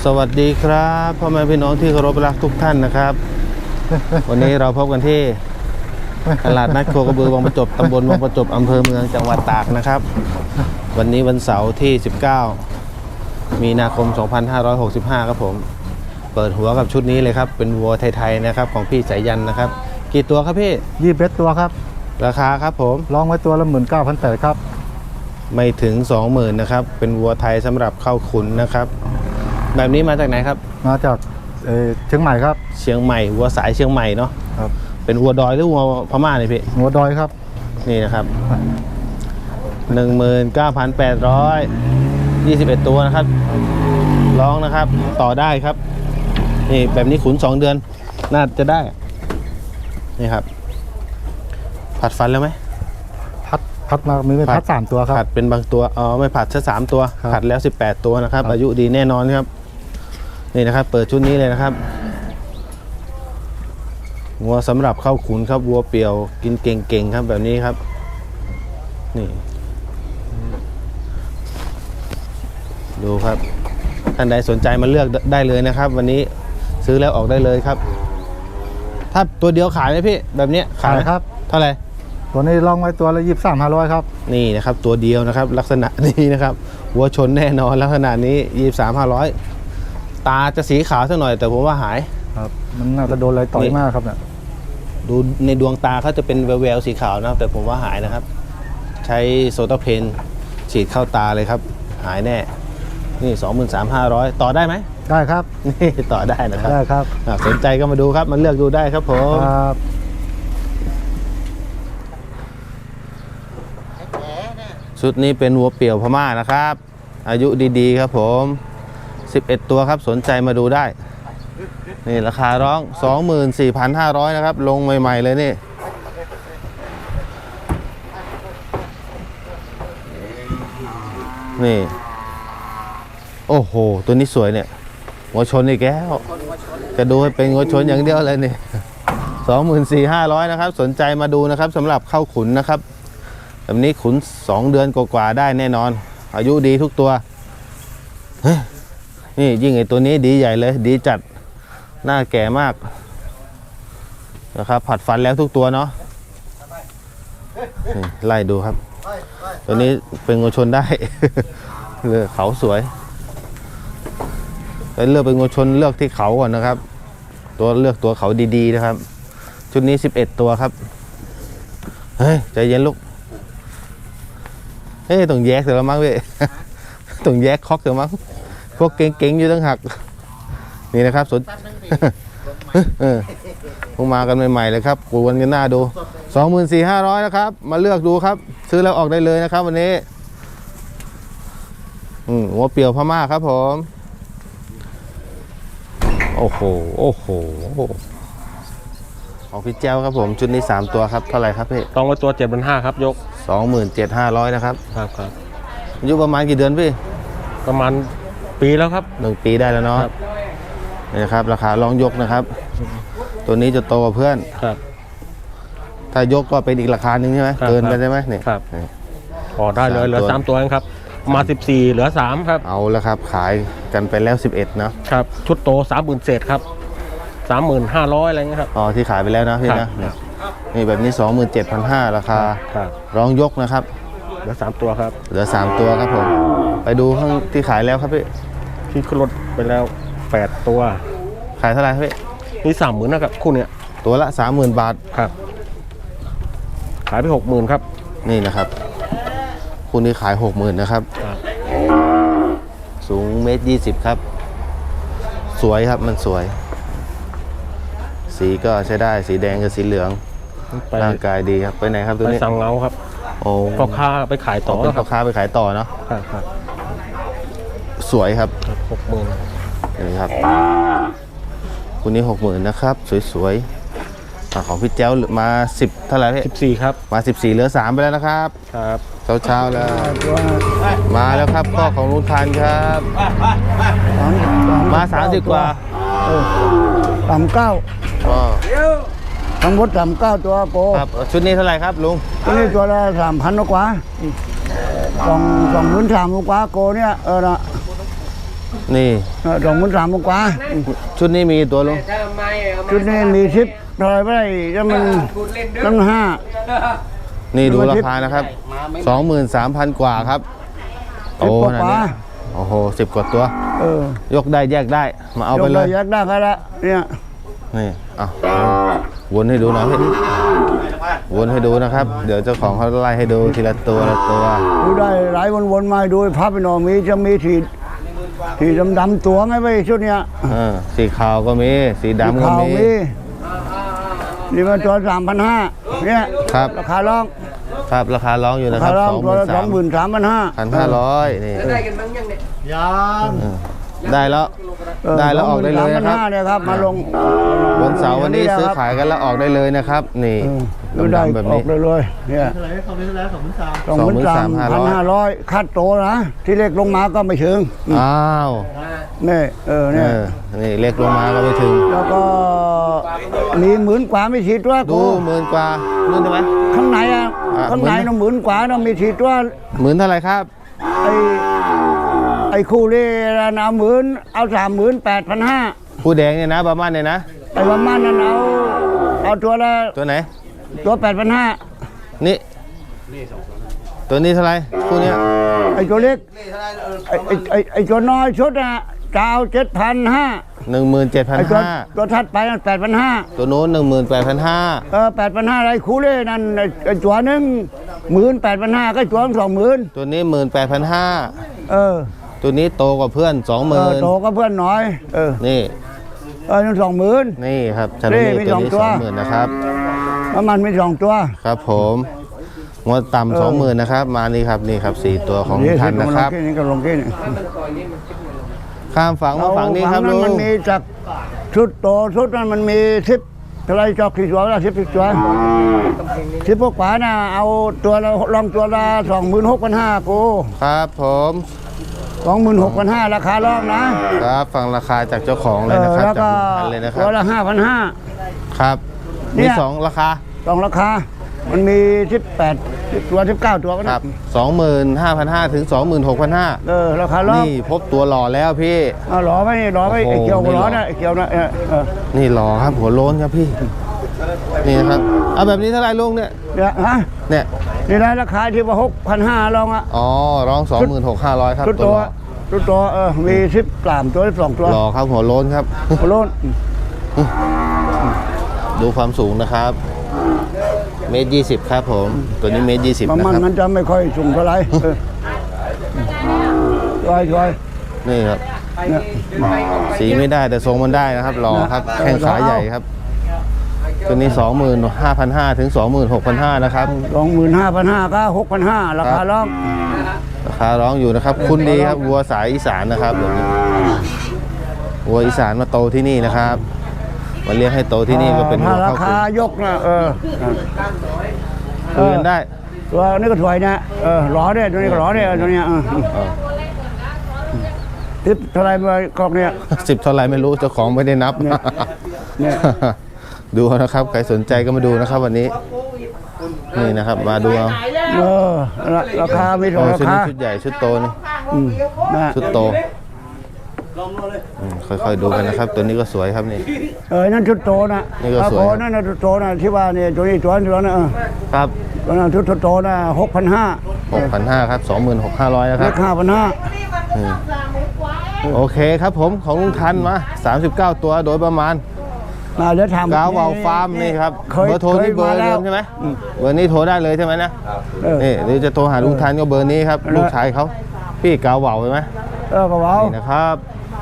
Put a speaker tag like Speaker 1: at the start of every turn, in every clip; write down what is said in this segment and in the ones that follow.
Speaker 1: สวัสดีครับพ่อแม่พี่น้องที่เคารพรักทุกท่านนะครับ วันนี้เราพบกันที่ตลาดนัดโคกระบือวังประจบตำบลวังประจบอำเภอเมืองจังหวัดตากนะครับวันนี้วันเสาร์ที่ 19 มีนาคม 2565 ครับผมเปิดหัวกับชุดนี้เลยครับเป็นวัวไทยๆนะครับของพี่สายยันนะครับกี่ตัวครับพี่
Speaker 2: 21ตัวครับ
Speaker 1: ราคาครับผม
Speaker 2: ลองไว้ตัวละ19,800ครับ
Speaker 1: ไม่ถึง 20,000 นะครับเป็นวัวไทยสำหรับเข้าขุนนะครับแบบนี้มาจากไหนครับ
Speaker 2: มาจากเชียงใหม่ครับ
Speaker 1: เชียงใหม่วัวสายเชียงใหม่เนาะ
Speaker 2: ครับ
Speaker 1: เป็นวัวดอยหรือวัวพม่าเนี่ยพี่
Speaker 2: วัวดอยครับ
Speaker 1: นี่นะครับ 19,821 ตัวนะครับร้องนะครับต่อได้ครับนี่แบบนี้ขุน2 เดือนน่าจะได้นี่ครับผัดฟันแล้วไหม
Speaker 2: ผัดมามีเป็นผัด3ตัวครับ
Speaker 1: ผัดเป็นบางตัวไม่ผัดแค่3 ตัวผัดแล้ว18 ตัวนะครับอายุดีแน่นอนครับนี่นะครับเปิดชุดนี้เลยนะครับวัวสำหรับเข้าขุนครับวัวเปี่ยวกินเก่งๆครับแบบนี้ครับนี่ดูครับท่านใดสนใจมาเลือกได้เลยนะครับวันนี้ซื้อแล้วออกได้เลยครับถ้าตัวเดียวขายไหมพี่แบบนี้
Speaker 2: ขายครับ
Speaker 1: เท่าไหร่
Speaker 2: ตัวนี้ลองไว้ตัวละ23,500ครับ
Speaker 1: นี่นะครับตัวเดียวนะครับลักษณะนี้นะครับวัวชนแน่นอนลักษณะนี้23,500ตาจะสีขาวสักหน่อยแต่ผมว่าหาย
Speaker 2: ครับมันน่าจะโดนอะไรต่อยมากครับเนี่ย
Speaker 1: ดูในดวงตาเขาจะเป็นแววๆสีขาวนะแต่ผมว่าหายนะครับใช้โซตาเพนฉีดเข้าตาเลยครับหายแน่นี่ 23,500 ต่อได้ไหม
Speaker 2: ได้ครับ
Speaker 1: นี่ต่อได้นะครับ
Speaker 2: ได้ครับ
Speaker 1: สนใจก็มาดูครับมันเลือกดูได้ครับผม
Speaker 2: ครับ
Speaker 1: ชุดนี้เป็นวัวเปี่ยวพม่านะครับอายุดีๆครับผม11 ตัวครับสนใจมาดูได้นี่ราคาร้อง 24,500 นะครับลงใหม่ๆเลยนี่โอ้โหตัวนี้สวยเนี่ยหัวชนอีกแล้วจะดูให้เป็นหัวชนอย่างเดียวเลยนี่ 24,500 นะครับสนใจมาดูนะครับสำหรับเข้าขุนนะครับแบบนี้ขุน2 เดือนกว่าๆได้แน่นอนอายุดีทุกตัวนี่ยิ่งไอตัวนี้ดีใหญ่เลยดีจัดหน้าแก่มากนะครับผัดฟันแล้วทุกตัวเนาะไล่ดูครับตัวนี้เป็นงูชนได้เลยเขาสวยแต่เลือกเป็นงูชนเลือกที่เขาก่อนนะครับตัวเลือกตัวเขาดีๆนะครับชุดนี้11 ตัวครับเฮ้ยใจเย็นลูกเฮ้ยต้องแยกเสร็จแล้วมั้งพี่ต้องแยกคอกเสร็จมั้งพวกเก่งๆอยู่ตั้งหักนี่นะครับสนพวกมากันใหม่ๆเลยครับกวนกันหน้าดู 24,500 นะครับมาเลือกดูครับซื้อแล้วออกได้เลยนะครับวันนี้หัวเปี่ยวพม่าครับผมโอ้โหโอ้โหของพี่เจ้าครับผมชุดนี้3 ตัวครับเท่าไหร่ครับพี่
Speaker 3: ต้องไว้ตัว7,500ครับยก
Speaker 1: 27,500 นะครับ
Speaker 3: ครับ
Speaker 1: อายุประมาณกี่เดือนพี่
Speaker 3: ประมาณปีแล้วครับ
Speaker 1: 1 ปีได้แล้วเนาะนี่นะครับราคาลองยกนะครับตัวนี้จะโตกว่าเพื่อน
Speaker 3: ครับ
Speaker 1: ถ้ายกก็เป็นอีกราคาหนึ่งใช่ไหมเกินไปใช่ไหมเนี่ย
Speaker 3: ครับพอได้เลยเหลือ3 ตัวเองครับมา14เหลือ3ครับ
Speaker 1: เอาแล้วครับขายกันไปแล้ว11เนาะ
Speaker 3: ครับชุดโต30,000เศษครับ35,000อะไรเงี้ยครับ
Speaker 1: ที่ขายไปแล้วนะพี่นะนี่แบบนี้ 27,500 ราคาร้องยกนะครับ
Speaker 3: เหลือ3 ตัวครับ
Speaker 1: เหลือ3 ตัวครับผมไปดูข้างที่ขายแล้วครับพี่
Speaker 3: ที่ขึ้นรถไปแล้ว8 ตัว
Speaker 1: ขายเท่าไหร่ครับพี่
Speaker 3: นี่30,000นะครับคู่เนี้ย
Speaker 1: ตัวละ 30,000 บาท
Speaker 3: ครับขายไป 60,000ครับ
Speaker 1: นี่นะครับคู่นี้ขาย 60,000 นะครับสูง1.20 ครับสวยครับมันสวยสีก็ใช้ได้สีแดงกับสีเหลืองร่างกายดีครับไปไหนครับตัวนี้
Speaker 3: ไปสังเงาครับ
Speaker 1: โอ้
Speaker 3: พ่อค้าไปขายต่อ
Speaker 1: เป็นพ่อค้าไปขายต่อเนาะ
Speaker 3: ครับ
Speaker 1: สวยครับ
Speaker 3: 60,000
Speaker 1: นี่ครับคุณนี้ 60,000 นะครับสวยๆของพี่เจ้ามา10เท่าไหร่พี่
Speaker 3: 14ครับ
Speaker 1: มา14เหลือ3ไปแล้วนะครับ
Speaker 3: ครับ
Speaker 1: เช้าแล้วมาแล้วครับพ่อของลุงทันครับมา30 กว่า
Speaker 2: 39ทั้งหมด39 ตัวโก
Speaker 1: ครับชุดนี้เท่าไหร่ครับลุง
Speaker 2: ชุดนี้ตัวละ 3,000 กว่า23,000 กว่าโกเนี่ยนะ
Speaker 1: นี่
Speaker 2: 23,000 กว่า
Speaker 1: ชุดนี้มีกี่ตัวลุง
Speaker 2: ชุดนี้มีชิปเท่าไหรไม่ได้แล้วมันตั้งห้า
Speaker 1: นี่ดูราคานะครับ 23,000 กว่าครับ โอ้
Speaker 2: 10 ก
Speaker 1: นั่น
Speaker 2: ว่า
Speaker 1: นี่โอ้โห10 กว่าตัว ยกได้แยกได้ มาเอาไปเลย
Speaker 2: ยักได้ก็ละเนี่ย
Speaker 1: นี่เอาวนให้ดูหน่อยพี่วนให้ดูนะครับ เดี๋ยวเจ้าของเขาไล่ให้ดูทีละตัวละตัว
Speaker 2: ดูได้หลายวนๆมาดูพับไปหน่อยมีจะมีทีดำๆตัวไงไปชุดเนี้ย
Speaker 1: สีขาวก็มี สีดำก็
Speaker 2: ขาว
Speaker 1: มี
Speaker 2: มีนี่มันตัว 3,500เนี่ย
Speaker 1: ครับ
Speaker 2: ราคาร้อง
Speaker 1: ครับราคาร้องอยู่นะ
Speaker 2: รา
Speaker 1: ค
Speaker 2: คา
Speaker 1: รับ
Speaker 2: ร้องตัวละ
Speaker 1: 23,500
Speaker 2: 23,500
Speaker 1: นี่
Speaker 4: ได้กันบ้างยังเนี่ย
Speaker 1: ได้แล้วได้แล้วออกได้เลยนะครับ
Speaker 2: 23,500เนี่ยครับมาลง
Speaker 1: วันเสาร์วันนี้ซื้อขายกันแล้วออกได้เลยนะครับ นี่
Speaker 2: ดูได้
Speaker 1: ดำๆแบบ
Speaker 2: ออ
Speaker 1: นี้
Speaker 2: กเลยเนี่ย23,500คัดโตนะที่เล็กลงมาก็ไม่ถึง
Speaker 1: อ้าว
Speaker 2: นี่เนี่ย
Speaker 1: นี่เล็กลงมาก็ไม่ถึง
Speaker 2: แล้วก็มี10,000 กว่าไม่ฉีดว่า
Speaker 1: ดู10,000 กว่านู่นใช่ไหม
Speaker 2: ข้างในข้างในน่ะ10,000 กว่าน่ะมีฉีดว่า
Speaker 1: 10,000 เท่าไหร่ครับ
Speaker 2: ไอ้คู่เล่นะ10,000เอา38,500
Speaker 1: ผู้แดงเนี่ยนะประมาณเนี่ยนะ
Speaker 2: ไอ้ประมาณนั้นเอาตัวละ
Speaker 1: ตัวไหน
Speaker 2: ตัว 8,500
Speaker 1: นี่ ตัวนี้เท่าไหร่คู่เนี้ย
Speaker 2: ไอ้ตัวเล็กไอ้ตัวน้อยชุดน่ะจะเอา7,500 ไอ้ตัว
Speaker 1: 17,500
Speaker 2: ตัวถัดไปนั่น8,500
Speaker 1: ตัวโน้น18,500
Speaker 2: 8,500อะไรคู่เล่นั่นไอ้ตัวหนึง18,500ก็ตัวละ20,000
Speaker 1: ตัวนี้18,500 ตัวนี้โตกว่าเพื่อน
Speaker 2: โตก็เพื่อนน้อย
Speaker 1: นี่
Speaker 2: นั่น20,000
Speaker 1: นี่ครับชาโล
Speaker 2: นี่
Speaker 1: เล่
Speaker 2: มี
Speaker 1: ตัว
Speaker 2: สอง
Speaker 1: นี้
Speaker 2: ตัว
Speaker 1: 20,000นะครับ
Speaker 2: แล้วมันมี2ตัว
Speaker 1: ครับผมงวดต่ำ20,000นะครับ มานี่ครับนี่ครับ4ตัวของท่านนะครับ
Speaker 2: นี่ก็ลงที่นี่
Speaker 1: ข้ามฝั่งมาฝั่งนี้ครับ
Speaker 2: ฝั่
Speaker 1: ลุ
Speaker 2: นั้น
Speaker 1: ง
Speaker 2: มันมีจากชุดโตชุดนั้นมันมี10เท่าไรจอกกี่ตัวละ10ตัว10พวกขวาน่ะเอาตัวละลองตัวละ26,500กู
Speaker 1: ครับผม
Speaker 2: 26,500ราคาลองนะครับ
Speaker 1: ฟังราคาจากเจ้าของเลยนะครับ
Speaker 2: แล้ว
Speaker 1: จาก
Speaker 2: ก็
Speaker 1: ลุงพันธุ์เลยนะครั
Speaker 2: ตัว
Speaker 1: บ
Speaker 2: ละ
Speaker 1: ครับ
Speaker 2: เนี่
Speaker 1: มี
Speaker 2: ย
Speaker 1: 2 ราคา
Speaker 2: 5,500สองราคา มันมี18ตัว19ตัวก็
Speaker 1: ค
Speaker 2: ได้
Speaker 1: รับ 25,500 ถึง 26,500
Speaker 2: ราคาลอง
Speaker 1: นี่พบตัวหล่อแล้วพี่
Speaker 2: หล่อไหมนี่หล่อไหม
Speaker 1: โอ้
Speaker 2: ไอ้
Speaker 1: โห
Speaker 2: เกี่ยว
Speaker 1: ไม่หล่
Speaker 2: หล่
Speaker 1: อ
Speaker 2: อนะไอ้เกี่ยวนะ
Speaker 1: นี่หล่อครับหัวโล้นครับพี่ นี่นะครับ เอาแบบนี้เท่าไหร่ลุงเนี่ย เนี่ย
Speaker 2: นี่ได้ราคาที่ว่า6,500ลองอ่ะ
Speaker 1: อ๋อ ร้อง 26,500 ครับ
Speaker 2: ชุด
Speaker 1: ตัว
Speaker 2: ตัว
Speaker 1: หล่อ
Speaker 2: ชุดตัวมี13ตัว12ตัว
Speaker 1: หล่อครับหัวโล้นครับ
Speaker 2: โลน
Speaker 1: ดูความสูงนะครับ1.20 ครับผม ตัวนี้1.20
Speaker 2: ประ
Speaker 1: นะ
Speaker 2: มาณ
Speaker 1: ครับ
Speaker 2: มันจะไม่ค่อยสูงเท่าไหร่ช่วย
Speaker 1: นี่ครับ
Speaker 2: เนี่ย
Speaker 1: สีไม่ได้แต่ทรงมันได้นะครับหล่อครับ แข้งขาใหญ่ครับ ตัวนี้ 25,500 ถึง 26,500 นะครับ
Speaker 2: 25,500ก็6,500ราคาลอง
Speaker 1: ราคาร้องอยู่นะครับ คุณดีครับวัวสายอีสานนะครับแบบนี้วัวอีสานมาโตที่นี่นะครับมาเลี้ยงให้โตที่นี่ก็เป็นวั
Speaker 2: ถ้าว รา
Speaker 1: เข้า
Speaker 2: คายกนะ
Speaker 1: คุยกันได้
Speaker 2: ตัวนี้ก็ถอยนะหล่อเนี่ยตัวนี้ก็หล่อเนี่ยตัวเนี้ยทิปเท่าไรมากอกเนี่ย
Speaker 1: 10 เท่าไหรไม่รู้เจ้าของไม่ได้นับ
Speaker 2: เนี่ย
Speaker 1: ดูนะครับใครสนใจก็มาดูนะครับวันนี้นี่นะครับมาดูเอา
Speaker 2: ราคาไม่ถูกรา
Speaker 1: ชุด
Speaker 2: คา
Speaker 1: นี้ชุดใหญ่ชุดโตนี่ ชุดโตค่อยๆดูกันนะครับ ตัวนี้ก็สวยครับนี่
Speaker 2: นั่นชุดโตนะ
Speaker 1: นี่ก็สวย
Speaker 2: นั่นนะชุดโตนะที่ว่าเนี่ยตัวนี้ตัวนะครับ ตัวนั้นชุดโตนะ6,500
Speaker 1: 6,500 ครับ 26,500 นะค
Speaker 2: เล
Speaker 1: รับ
Speaker 2: ข5,500
Speaker 1: โอเคครับผมของลุงทันมา39 ตัวโดยประมาณ
Speaker 2: เดี๋ยวถาม
Speaker 1: กาวาวฟาร์มนี่ครับ
Speaker 2: เคย
Speaker 1: เบอร์โทรนี่เบอร์
Speaker 2: มาแล้
Speaker 1: เดิ
Speaker 2: ว
Speaker 1: มใช่ไหมเบอร์นี้โทรได้เลยใช่ไหมนะนี่หรือจะโทรหาลุงทันก็เบอร์นี้ครับลูกชายเขาพี่กาวาวใช่ไหม
Speaker 2: ก็ว้าว
Speaker 1: นี่นะครับ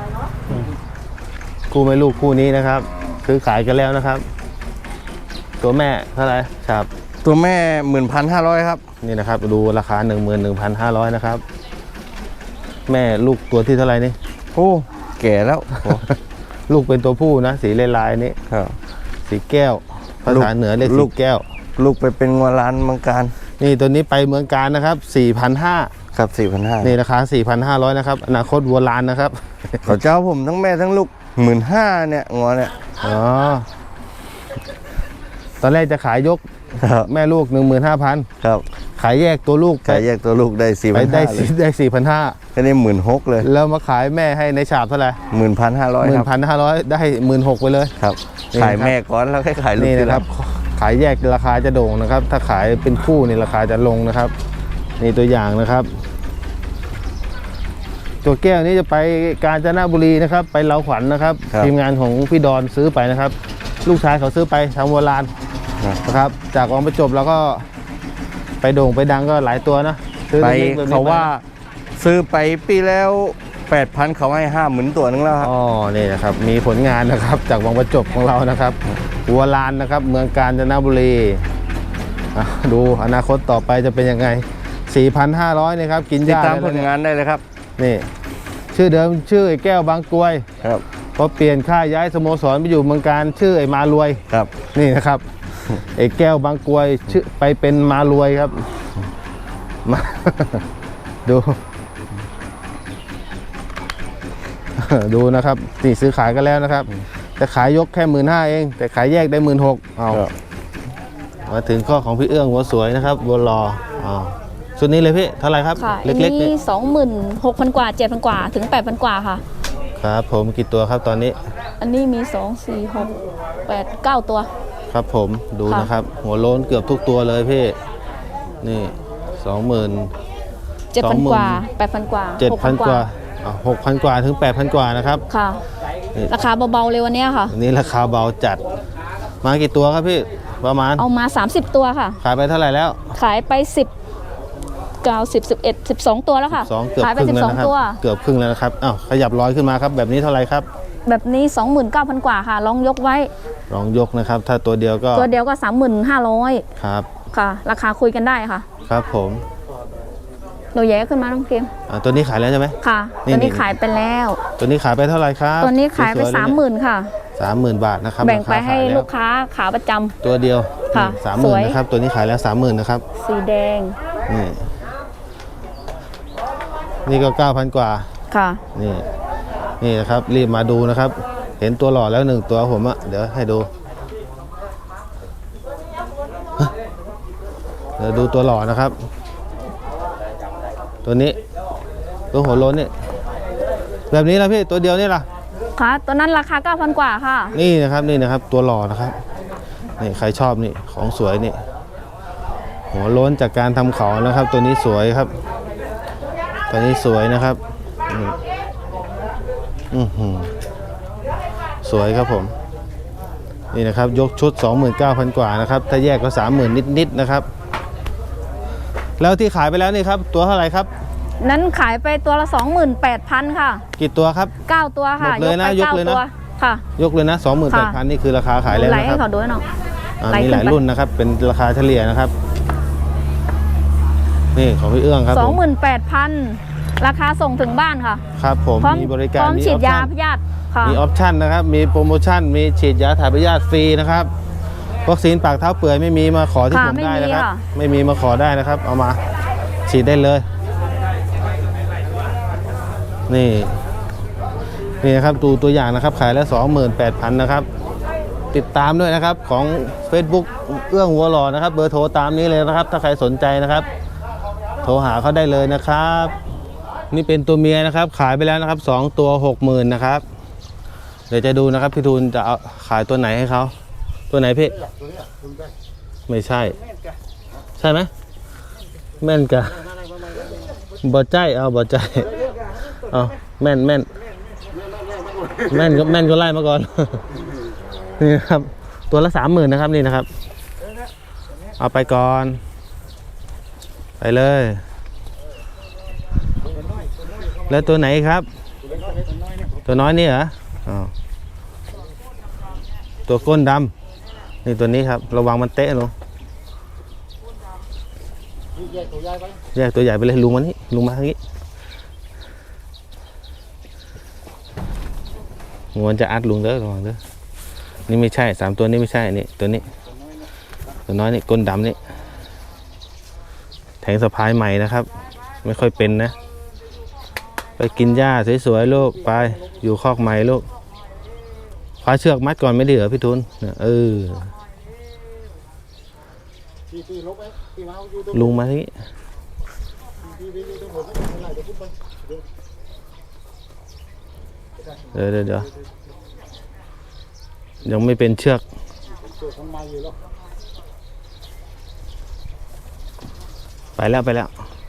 Speaker 1: คู่ไม่ลูกคู่นี้นะครับซื้อขายกันแล้วนะครับ ตัวแม่เท่าไหร่ครับ
Speaker 4: ตัวแม่11,500ครับ
Speaker 1: นี่นะครับดูราคา 11,500 นะครับ แม่ลูกตัวที่เท่าไหร่นี่
Speaker 4: โอ้แก่แล้ว
Speaker 1: ลูกเป็นตัวผู้นะสีลายๆนี้
Speaker 4: ครับ
Speaker 1: สีแก้วภาษาเหนือเรียก
Speaker 4: ลู
Speaker 1: สี
Speaker 4: ก
Speaker 1: แก้ว
Speaker 4: ลูกไปเป็นงัวร้านเมืองการ
Speaker 1: นี่ตัวนี้ไปเมืองการนะครับ 4,500
Speaker 4: ครับ4,500
Speaker 1: นี่ราคา 4,500 นะครับอนาคตวัวลานนะครับ
Speaker 4: เขาเจ้าผมทั้งแม่ทั้งลูก15,000เนี่ยงัวเนี่ย
Speaker 1: อ๋อตอนแรกจะขายยก
Speaker 4: ครับ
Speaker 1: แม่ลูก 15,000
Speaker 4: ครับ
Speaker 1: ขายแยกตัวลูก
Speaker 4: ขายแยกตัวลูกได้4,500
Speaker 1: ไปได้
Speaker 4: เลย
Speaker 1: ได้4,500
Speaker 4: แค่นี้16,000เลย
Speaker 1: แล้วมาขายแม่ให้ในฉาบเท่าไหร่
Speaker 4: 1,500 ครับ
Speaker 1: 1,500 ได้ 16,000ไปเลย
Speaker 4: ครับ
Speaker 1: นี่
Speaker 4: ขาย
Speaker 1: นะครับ
Speaker 4: แม่ก่อนแล้วค่อยขายลูก
Speaker 1: นี่
Speaker 4: ที
Speaker 1: นะ
Speaker 4: ห
Speaker 1: ค
Speaker 4: ลั
Speaker 1: รั
Speaker 4: ง
Speaker 1: บขายแยกราคาจะโด่งนะครับ ถ้าขายเป็นคู่นี่ราคาจะลงนะครับนี่ตัวอย่างนะครับ ตัวแก้วนี้จะไปกาญจนบุรีนะครับ ไปเลาขวัญนะครับ
Speaker 4: ครับ
Speaker 1: ทีมงานของพี่ดอนซื้อไปนะครับ ลูกชายเขาซื้อไปทางโบราณ
Speaker 4: ครับ
Speaker 1: นะครับ จากวังประจบแล้วก็ไปโด่งไปดังก็หลายตัวนะซื้อ
Speaker 4: ไป
Speaker 1: ล็กๆแบบนี้
Speaker 4: เขาว่า
Speaker 1: ไป
Speaker 4: ซื้อไปปีแล้ว 8,000เขาให้50,000ตัวนึงแล้วครับ
Speaker 1: อ๋อนี่นะครับมีผลงานนะครับ จากวังประจบของเรานะครับหัวลานนะครับ เมืองกาญจนบุรีอ่ะดูอนาคตต่อไปจะเป็นยังไง 4,500นี่ครับกินห
Speaker 4: ติด
Speaker 1: ญ้า
Speaker 4: ตาม
Speaker 1: ได้
Speaker 4: ผ
Speaker 1: แล้ว
Speaker 4: ล
Speaker 1: เนี่ย
Speaker 4: งานได้เลยครับ
Speaker 1: นี่ชื่อเดิมชื่อไอ้แก้วบางกรวย
Speaker 4: ครับ
Speaker 1: พอเปลี่ยนค่ายย้ายสโมสรไปอยู่เมืองการชื่อไอ้มารวย
Speaker 4: ครับ
Speaker 1: นี่นะครับ ไอ้แก้วบางกรวยชื่อไปเป็นมารวยครับมา ดู ดูนะครับนี่ซื้อขายกันแล้วนะครับแต่ขายยกแค่15,000เอง แต่ขายแยกได้16,000เอา
Speaker 4: ครับ
Speaker 1: มาถึงข้อของพี่เอื้องหัวสวยนะครับบัวรออ้าวชุดนี้เลยพี่เท่าไหร่ครับ
Speaker 5: ค่ะ
Speaker 1: เล็กๆ
Speaker 5: อัน
Speaker 1: นี่
Speaker 5: นี้26,000 กว่า 7,000 กว่าถึง 8,000 กว่าค่ะ
Speaker 1: ครับผมกี่ตัวครับตอนนี้
Speaker 5: อันนี้มี 2 4 6 8 9 ตัว
Speaker 1: ครับผมดู
Speaker 5: ค่ะ
Speaker 1: นะครับ หัวโล้นเกือบทุกตัวเลยพี่นี่
Speaker 5: 7,000 กว่า 8,000 กว่า
Speaker 1: 7,000 กว่า6,000 กว่าถึง 8,000 กว่านะครับ
Speaker 5: ค่ะ
Speaker 1: นี่
Speaker 5: ราคาเบาๆเลยวันเนี้ยค่ะ
Speaker 1: อันนี้ราคาเบาจัด มากี่ตัวครับพี่ประมาณ
Speaker 5: เอามา 30 ตัวค่ะ
Speaker 1: ขายไปเท่าไหร่แล้ว
Speaker 5: ขายไป10 9 10 11 12 ตัวแล้วค่ะ
Speaker 1: 2เกือบ
Speaker 5: ขายไป
Speaker 1: ครึ่งแล้วนะครับ
Speaker 5: 12 ตัว
Speaker 1: เกือบครึ่งแล้วนะครับอ้าวขยับร้อยขึ้นมาครับแบบนี้เท่าไหร่ครับ
Speaker 5: แบบนี้ 29,000 กว่าค่ะ ลองยกไว้
Speaker 1: ลองยกนะครับ ถ้าตัวเดียวก็
Speaker 5: ตัวเดียวก็ 35,000
Speaker 1: ครับ
Speaker 5: ค่ะ ราคาคุยกันได้ค่ะ
Speaker 1: ครับผม
Speaker 5: หนูแย้ขึ้นมาน้องเกม
Speaker 1: ตัวนี้ขายแล้วใช่ไหม
Speaker 5: ค่ะ
Speaker 1: นี่
Speaker 5: ตัวนี้
Speaker 1: นี่
Speaker 5: ขายไปแล้ว
Speaker 1: ตัวนี้ขายไปเท่าไหร่ครับ
Speaker 5: ตัวนี้ขายไป
Speaker 1: สวๆเลเนี่ย
Speaker 5: 30,000 ค่ะ
Speaker 1: 30,000 บาทนะครับ
Speaker 5: แบ่งไป
Speaker 1: ราคา
Speaker 5: ให้
Speaker 1: ขายแว
Speaker 5: ลูกค้าขาประจำ
Speaker 1: ตัวเดียว
Speaker 5: ค่ะ
Speaker 1: สามห
Speaker 5: ส
Speaker 1: มื่
Speaker 5: วน ย
Speaker 1: นะครับตัวนี้ขายแล้ว 30,000นะครับ
Speaker 5: สีแดง
Speaker 1: นี่นี่ก็ 9,000 กว่า
Speaker 5: ค่ะ
Speaker 1: นี่นี่นะครับรีบมาดูนะครับ เห็นตัวหล่อแล้ว1ตัวผมอะเดี๋ยวให้ดูฮะเดี๋ยวดูตัวหล่อนะครับ ตัวนี้ตัวหัวโล้นนี่แบบนี้ละพี่ตัวเดียวนี่ล่ะ
Speaker 5: ค่ะ ตัวนั้นราคา 9,000 กว่าค่ะ
Speaker 1: นี่นะครับนี่นะครับตัวหล่อนะครับนี่ใครชอบนี่ของสวยนี่หัวโล้นจากการทำเขานะครับ ตัวนี้สวยครับ ตัวนี้สวยนะครับนี่อื้อหือสวยครับผมนี่นะครับยกชุด 29,000 กว่านะครับถ้าแยกก็ 30,000 นิดๆนะครับ แล้วที่ขายไปแล้วนี่ครับตัวเท่าไหร่ครับ
Speaker 5: นั้นขายไปตัวละ 28,000 ค่ะ
Speaker 1: กี่ตัวครับ
Speaker 5: 9 ตัวค่ะ
Speaker 1: หมดเลยนะ
Speaker 5: ไป
Speaker 1: ยกเลยนะ
Speaker 5: 9ตัวค่ะ
Speaker 1: ยกเลยนะ 28,000 นี่คือราคาขายแล้ว
Speaker 5: ไหล
Speaker 1: นะค
Speaker 5: ให้
Speaker 1: รับ
Speaker 5: เขาดูหน่อย ไหล
Speaker 1: มี
Speaker 5: ขึ้น
Speaker 1: หลาย
Speaker 5: ไป
Speaker 1: รุ่นนะครับ เป็นราคาเฉลี่ยนะครับ นี่ของพี่เอื้องครับผม
Speaker 5: 28,000 ราคาส่งถึงบ้านค่ะ
Speaker 1: ครับผม
Speaker 5: พร้อม
Speaker 1: มีบริการ
Speaker 5: พร้อมฉีดยา
Speaker 1: ออป
Speaker 5: พ
Speaker 1: ชั่น
Speaker 5: ยาธิค่ะ
Speaker 1: มีออปชั่นนะครับ มีโปรโมชั่น มีฉีดยาถ่ายพยาธิฟรีนะครับวัคซีนปากเท้าเปื่อยไม่มีมาขอที่
Speaker 5: ค่ะ
Speaker 1: ผมได้นะครับ
Speaker 5: ไม่มีค่ะ
Speaker 1: ไม่มีมาขอได้นะครับ เอามาฉีดได้เลย นี่นี่นะครับดูตัวอย่างนะครับ ขายแล้ว 28,000 นะครับ ติดตามด้วยนะครับของ Facebook เอื้องวัวหล่อนะครับ เบอร์โทรตามนี้เลยนะครับ ถ้าใครสนใจนะครับ โทรหาเขาได้เลยนะครับ นี่เป็นตัวเมียนะครับ ขายไปแล้วนะครับ2ตัว 60,000 นะครับ เดี๋ยวจะดูนะครับพี่ทูลจะเอาขายตัวไหนให้เขาตัวไหนพี่ไม่ใช่ ใช่ไหมแม่นกะบ่ใจเอาบ่ใจเอาแม่นก็ไล่มาก่อน นี่นะครับตัวละ 30,000 นะครับนี่นะครับ เอาไปก่อนไปเลย แล้วตัวไหนครับ ตัวน้อยนี่เหรออ๋อตัวก้นดำนี่ตัวนี้ครับระวังมันเตะลงแยกตัวใหญ่ไปเลยลุงมานี่ลุงมาทางนี้งวนจะอัดลุงเด้อระวังเด้อนี่ไม่ใช่3ตัวนี้ไม่ใช่นี่ตัวนี้ตัวน้อยนี่ก้นดำนี่แทงสะพายใหม่นะครับ ไม่ค่อยเป็นนะไปกินหญ้าสวยๆลูกไปอยู่คอกใหม่ลูกคว้าเชือกมัดก่อนไม่ดีเหรอพี่ทุนเนี่ยลุงมาที่เดี๋ยวยังไม่เป็นเชือกไปแล้ว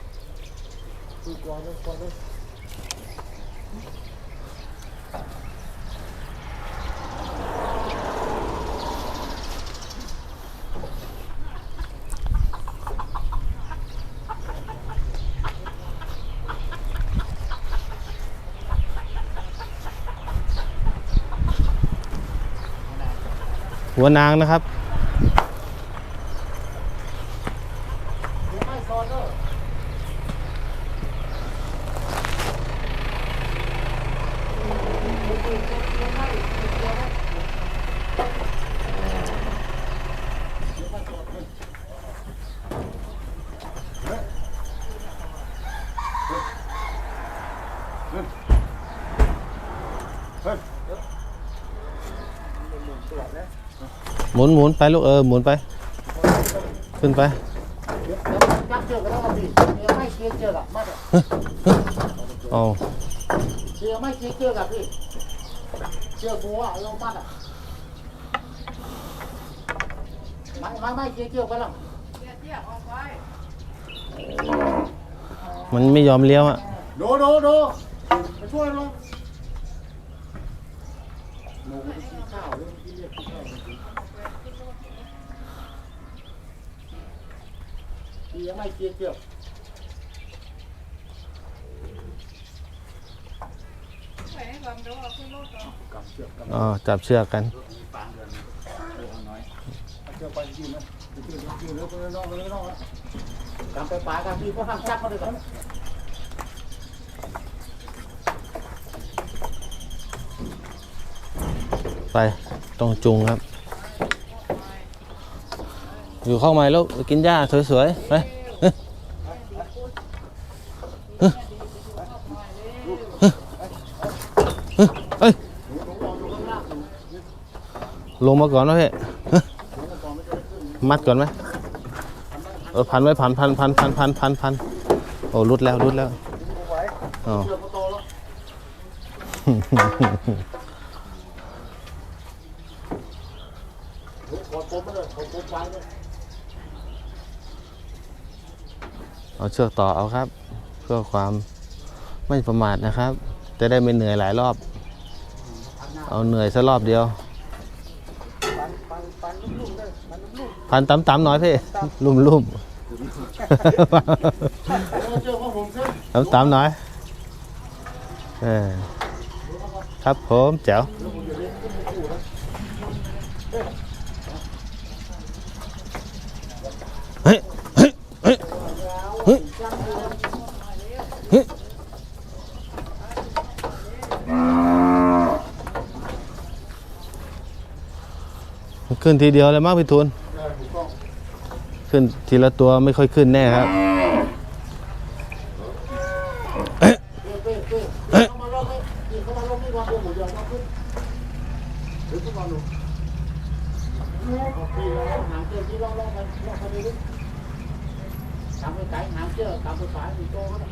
Speaker 1: หัวนางนะครับหมุนไปลูกหมุนไปขึ้นไปเอา
Speaker 2: เชือกไม่เชือกอะพี่เชือกบัวลงมัดอะไม่เชือกไปแล้ว
Speaker 1: มันไม่ยอมเลี้ยวอ่ะ
Speaker 2: ดูมาช่วยลงหนูกินข้าวเรื่องที่เรียกกินข้าวยังไม่เชือก
Speaker 1: อ๋อจับเชือกกัน
Speaker 2: เชือกไปยืนนะยืนแล้วไปนอกกำไปปลายกันพี่ก็ห้ามจับมาเลยก่อน
Speaker 1: ไปต้องจุงครับ อยู่เข้ามาแล้วกินหญ้าสวยๆไปเฮ้ยลงมาก่อนนะพี่มัดก่อนไหมพันไว้พันโอ้รุดแล้วอ๋อเอาเชือกต่อเอาครับ เพื่อความไม่ประมาทนะครับจะได้ไม่เหนื่อยหลายรอบเอาเหนื่อยสักรอบเดียวพันต่ำๆหน่อยพี่ลุ่มต่ำๆหน่อยครับผมแจ๋วเฮ้ยขึ้นทีเดียวเลยมั้งพี่ทูลขึ้นทีละตัวไม่ค่อยขึ้นแน่ครับ
Speaker 2: ทำไปไก่หางเชือกทำไปสายสีโตก็ได้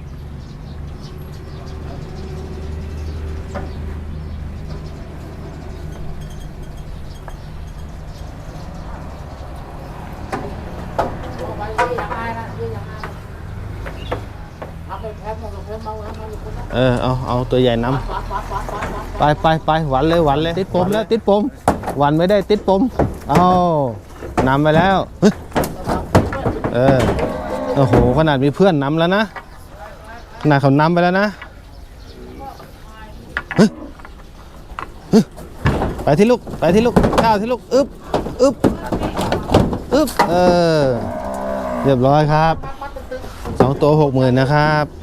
Speaker 2: ไปเรื่องอย่างไรนะเรื่องอย่างไรทำไปแพ้มาแพ้มา
Speaker 1: เอาตัวใหญ่นำไปหวันเลยติดผมแล้วติดผมหวันไม่ได้ติดผมเอานำไปแล้วโอ้โหขนาดมีเพื่อนนำแล้วนะขนาดเขานำไปแล้วนะไปที่ลูกข้าวที่ลูกอึ๊บเรียบร้อยครับ2 ตัว 60,000นะครับ